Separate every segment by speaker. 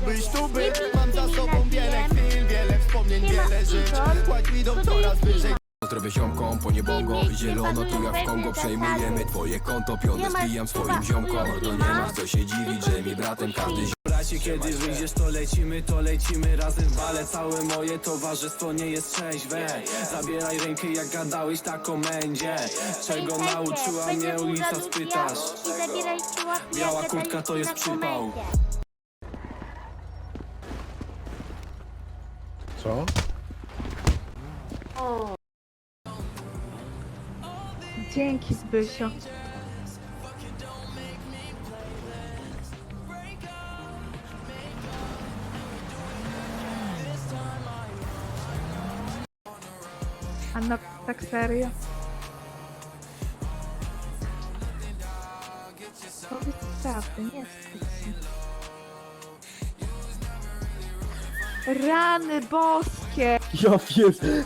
Speaker 1: byś tu był. Mam za sobą wiele chwil, wiele wspomnień, wiele żyć. Kładź mi dom coraz wyżej.
Speaker 2: Zdrowie ziomkom, po niebongo, zielono tu jak w Kongo. Przejmujemy twoje konto, pionę zbijam swoim ziomkom. Mordo, nie masz co się dziwić, że mi bratem każdy
Speaker 3: Bracie, kiedy wyjdziesz, to lecimy razem w bale. Całe moje towarzystwo nie jest trzeźwe. Zabieraj rękę, jak gadałeś na komendzie. Czego nauczyła mnie ulica, spytasz? Biała kurtka to jest przypał.
Speaker 4: Co?
Speaker 5: Dzięki, Zbysio. A no, tak serio? Powiedz prawdę, nie wstydź się. Rany boskie!
Speaker 4: Ja wiem.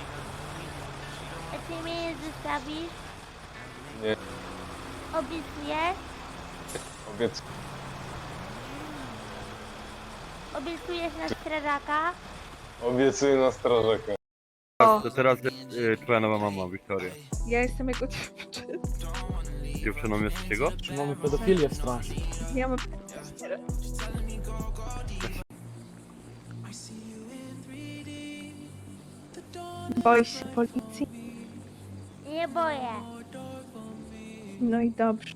Speaker 6: A ty mnie nie zostawisz?
Speaker 7: Nie.
Speaker 6: Obiecujesz? Obiecujesz na strażaka?
Speaker 7: Obiecuję na strażaka.
Speaker 5: O,
Speaker 8: To teraz twoja nowa mama, Wiktoria.
Speaker 5: ja jestem jego dziewczyną.
Speaker 8: Dziewczyną jesteś jego?
Speaker 4: Czy mamy pedofilię w straży?
Speaker 5: Ja mam... Boisz się policji?
Speaker 6: Nie boję.
Speaker 5: No i dobrze.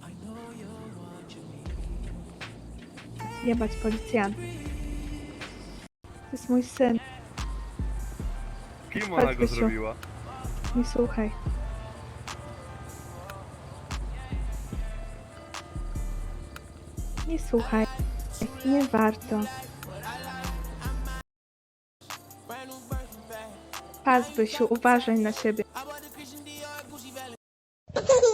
Speaker 5: Jebać policjantów. To jest mój syn.
Speaker 8: Kim ona go
Speaker 5: Wysiu.
Speaker 8: zrobiła?
Speaker 5: Nie słuchaj. Nie słuchaj. Nie warto. Pas, Bysiu, uważaj na siebie.